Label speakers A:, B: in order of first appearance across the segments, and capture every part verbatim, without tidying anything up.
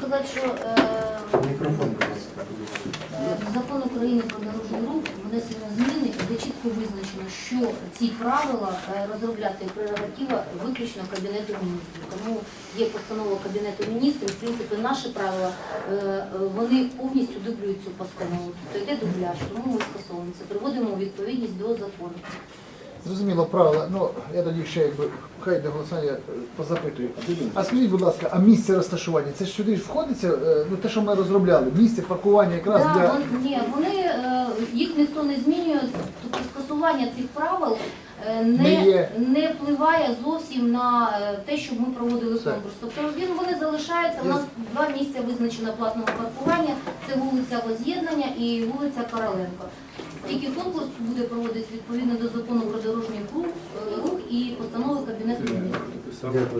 A: сказати, що е,
B: Мікрофон, будь ласка.
A: е, в закон України про дорожній рух внесено зміни, де чітко визначено, що ці правила е, розробляти прерогатива виключно Кабінету міністрів. Тому є постанова Кабінету міністрів, в принципі, наші правила, е, вони повністю дублюють цю постанову. Тобто йде дубляж, тому ми скасовуємо це, приводимо у відповідність до закону.
C: Зрозуміло, правила. Ну, я тоді ще якби хай до голосування е, позапитую. А скажіть, будь ласка, а місце розташування? Це ж сюди ж входиться, е, ну те, що ми розробляли, місце паркування якраз
A: Да,
C: для.
A: вон- ні, вони, е, їх ніхто не змінює, тобто скасування цих правил е,
C: Не
A: не,
C: є.
A: не впливає зовсім на е, те, щоб ми проводили
C: Все.
A: конкурс. Тобто він, вони залишаються, у
C: Я-
A: нас два місця визначено платного паркування, це вулиця Воз'єднання і вулиця Короленко. Тільки конкурс буде проводитися відповідно до закону про дорожній рух, е, рух і постанови Кабінету міністрів.
B: Дякую.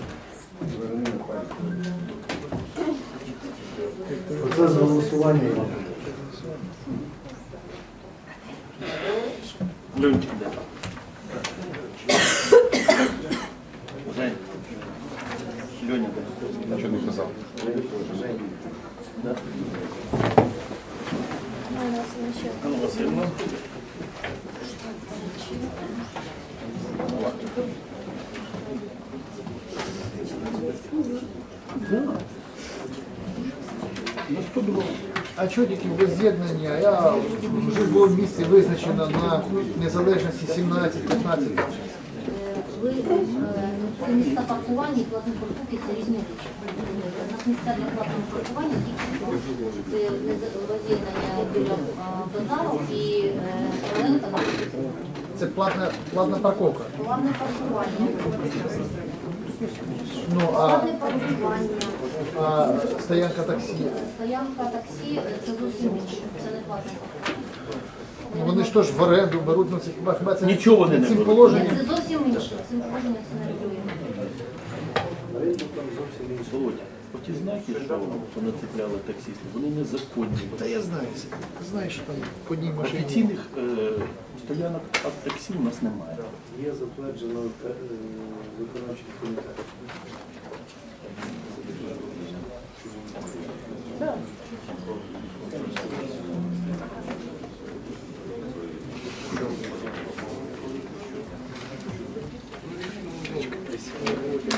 B: Оце з голосування.
D: Льончик, де? Жень. Льоня, де?
E: Нічого не казав.
D: Да? Анна Васильівна.
C: На сто два. А чого тільки без з'єднання? Я вже було місце визначено на незалежності сімнадцять-п'ятнадцять.
A: Ви, е, це місця паркування і платні парковки – це різні речі. У нас місця для платного паркування тільки це роз'єднання біля е, базару і е, Короленка на
C: Це платна, платна парковка.
A: платне паркування.
C: Ну, а,
A: Платне паркування,
C: а стоянка таксі.
A: стоянка таксі – це зовсім інше, це не платне паркування.
C: Ну, вони ж теж в оренду беруть, ну це хіба хіба це
D: Нічого вони не
C: цим
D: беруть.
C: положенням.
A: Це зовсім інше, цим положенням це не регулює.
D: Володя, оті знаки, що понацепляли таксисти, вони незаконні.
C: Та я знаю, знаю, що там по одній машині.
D: Офіційних е, стоянок от таксі у нас немає.
B: Є затверджено е, виконавчий комітет.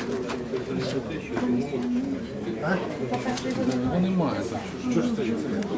E: Ну немає. Що ж це?